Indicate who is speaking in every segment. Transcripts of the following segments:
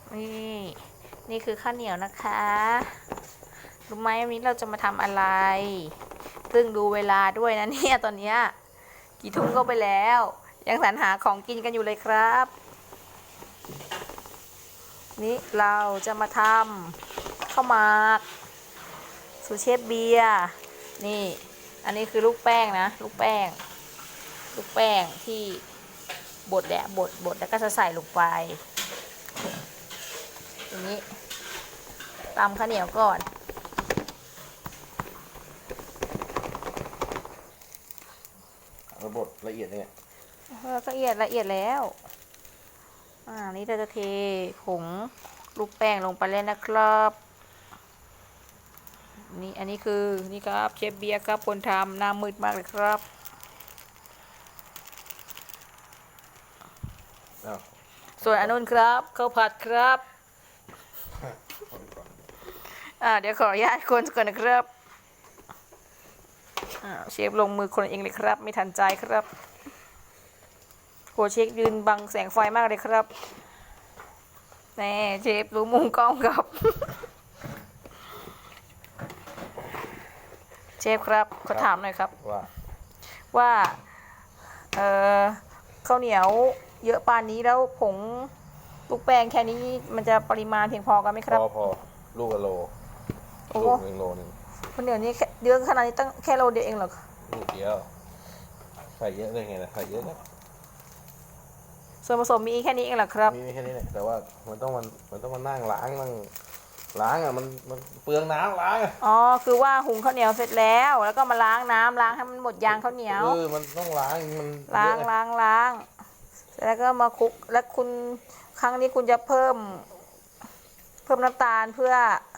Speaker 1: นี่นี่คือข้าวเหนียวนะคะรู้ไหมวันนี้เราจะมาทำอะไรซึ่งดูเวลาด้วยนะเนี่ยตอนเนี้ยกี่ทุ่มก็ไปแล้วยังสรรหาของกินกันอยู่เลยครับนี่เราจะมาทำข้าวหมากสูตรเชฟเบียร์นี่อันนี้คือลูกแป้งนะลูกแป้งที่บดแล้วก็จะใส่ลงไปอย่างนี้ตำข้าวเหนียวก่อน
Speaker 2: ระบดละเอียดเนี่ย
Speaker 1: ละเอียดแล้วนี่เราจะเทผงลูกแป้งลงไปเลยนะครับนี่อันนี้คือนี่ครับเชฟเบียร์ครับคนทำหน้ามืดมากเลยครับส่วนอนุนครับข้าวผัดครับเดี๋ยวขออนุญาตคนก่อนนะครับเชฟลงมือคนเองเลยครับไม่ทันใจครับโหเชฟยืนบังแสงไฟมากเลยครับแน่เชฟรู้มุมกล้องครับเชฟครับขอถามหน่อยครับว่าข้าวเหนียวเยอะปานนี้แล้วผงลูกแป้งแค่นี้มันจะปริมาณเพียงพอกันไหมครับ
Speaker 2: พอลูกละโลลูก1 โลนึง
Speaker 1: ข้าวเหนียวนี้เยอะขนาดนี้ตั้งแค่โลเดียวเองเหรอ
Speaker 2: ลูกเดียวใส่เยอะเลยไงล่ะใส่เยอะนะ
Speaker 1: ส่วนผสมมีแค่นี้เองเหรอครับ
Speaker 2: มีแค่นี้แหละแต่ว่ามันต้องมานั่งล้างมันเปลืองน้ำล้าง
Speaker 1: คือว่าหุงข้าวเหนียวเสร็จแล้วก็มาล้างน้ำล้างให้มันหมดยางข้าวเหนียว
Speaker 2: มันต้องล้างมัน
Speaker 1: ล้างแล้วก็มาคลุกแล้วคุณครั้งนี้คุณจะเพิ่มน้ำตาลเพื่อ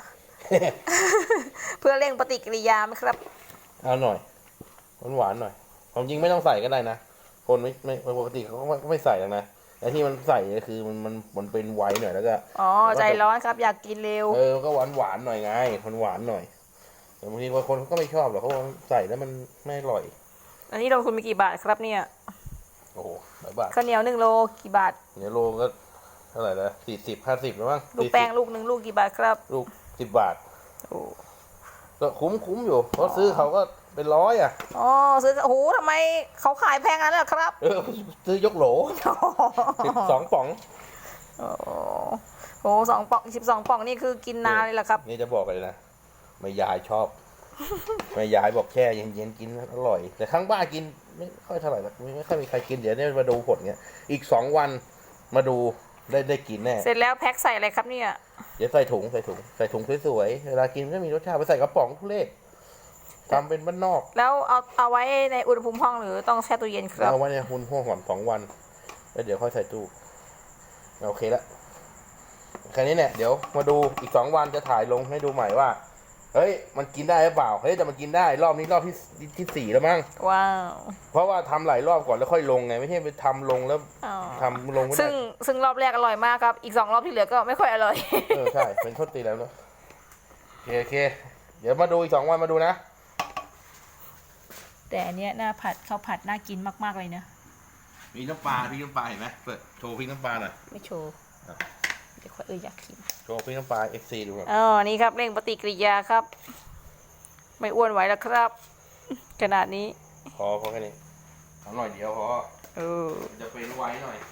Speaker 1: เพื่อเร่งปฏิกิริยาไหมครับ
Speaker 2: เอาหน่อยหวานหน่อยความจริงไม่ต้องใส่ก็ได้นะคนไม่ปกติเขาก็ไม่ใส่หรอกนะแต่ที่มันใส่ก็คือมันเป็นไวหน่อยแล้วก็
Speaker 1: ใจร้อนครับอยากกินเร็ว
Speaker 2: ก็หวานหน่อยไงมันหวานหน่อยแต่บางทีบางคนก็ไม่ชอบหรอกเขาใส่แล้วมันไม่อร่อย
Speaker 1: อันนี้ลงทุนมีกี่บาทครับเนี่ย
Speaker 2: โอ้โหหลายบาท
Speaker 1: ข้าวเหนียว1 โลกี่บาท
Speaker 2: เนี่ยโลก็เท่าไหร่ละ40-50แล้วมั้ง
Speaker 1: ลูกแป้งลูก1 ลูกกี่บาทครับ
Speaker 2: ลูก10 บาทก็คุ้มอยู่เพราะซื้อเขาก็เป็น100
Speaker 1: ซื้อโอ้โหทำไมเขาขายแพงงั้นล่ะครับ
Speaker 2: ซื้อยกโหล12 ป๋อง
Speaker 1: 2 ป่อง12 ป่องนี่คือกินนานเลยล่ะครับ
Speaker 2: นี่จะบอกเลยนะแม่ยายชอบแม่ยายบอกแช่เย็นๆกินอร่อยแต่ข้างบ้านกินไม่ค่อยเท่าไหร่หรอกไม่ค่อยมีใครกินเดี๋ยวนี้มาดูผลเงี้ยอีก2 วันมาดูได้กินแน่
Speaker 1: เสร็จแล้วแพ็คใส่อะไรครับเนี่ย
Speaker 2: เดี๋ยวใส่ถุงสวยๆเวลากินก็มีรสชาติไปใส่กระป๋องทุเรศทำเป็นบ้านนอก
Speaker 1: แล้วเอาไว้ในอุณหภูมิห้องหรือต้องแช่ตู้เย็นครับ
Speaker 2: เอาไว้ในอุณหภูมิห้อง2 วันแล้วเดี๋ยวค่อยใส่ตู้โอเคละแค่นี้เนี่ยเดี๋ยวมาดูอีก2 วันจะถ่ายลงให้ดูใหม่ว่าเฮ้ยมันกินได้หรือเปล่าเฮ้ยแต่มันกินได้รอบนี้รอบที่4แล้วมั้ง
Speaker 1: ว้าว
Speaker 2: เพราะว่าทำหลายรอบก่อนแล้วค่อยลงไงไม่ใช่ไปทำลงแล้วทำลงไม่ได้
Speaker 1: ซึ่งรอบแรกอร่อยมากครับอีก2 รอบที่เหลือก็ไม่ค่อยอร่อย
Speaker 2: ใช่เป็นทดตีแล้วเนาะโอเคเดี๋ยวมาดูอีก2 วันมาดูนะ
Speaker 1: แต่อันเนี้ยหน้าผัดข้าวผัดน่ากินมากๆเลยเนะ
Speaker 2: มีน้ำปลาพริกน้ำปลาเห็นไหมเปิดโชว์พริกน้ำปลาหน่อย
Speaker 1: ไม่โชว์เดี๋ยวอยากกิน
Speaker 2: โชว์พริกน้ำปลา FC ดูก่อน
Speaker 1: นี่ครับเร่งปฏิกิริยาครับไม่อ้วนไหวแล้วครับขนาดนี้
Speaker 2: พอแค่นี้เอาหน่อยเดียวพอจะเป็นไวหน่อย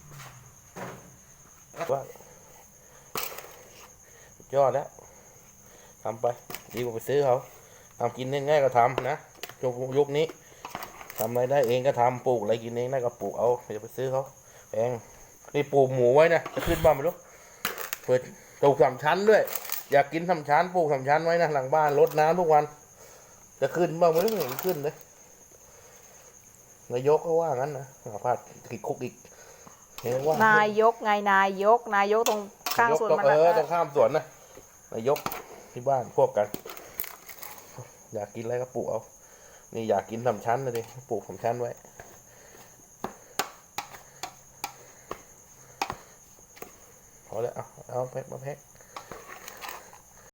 Speaker 2: ว่ายอดแล้วทำไปดีกว่าไปซื้อเขาทำกินง่ายๆก็ทำนะยุคนี้ทำอะไรได้เองก็ทำปลูกอะไรกินเองได้ก็ปลูกเอาอย่าไปซื้อเขาแพงนี่ปลูกหมูไว้นะจะขึ้นบ้านไม่รู้เปิดปลูก3 ชั้นด้วยอยากกิน3 ชั้นปลูก3 ชั้นไว้นะหลังบ้านรดน้ำทุกวันจะขึ้นบ้างไม่รู้เห็นขึ้นเลยนายกก็ว่างั้นนะพาดติดคุกอีก
Speaker 1: เห็นว่านายกไงนายกตรงข้างสวนมัน
Speaker 2: ตรงข้ามสวนนะนายกที่บ้านพวกกันอยากกินอะไรก็ปลูกเอานี่อยากกิน3 ชั้นเลยดิปลูก3 ชั้นไว้พอแล้วเอาแพ็คมาแพ็ค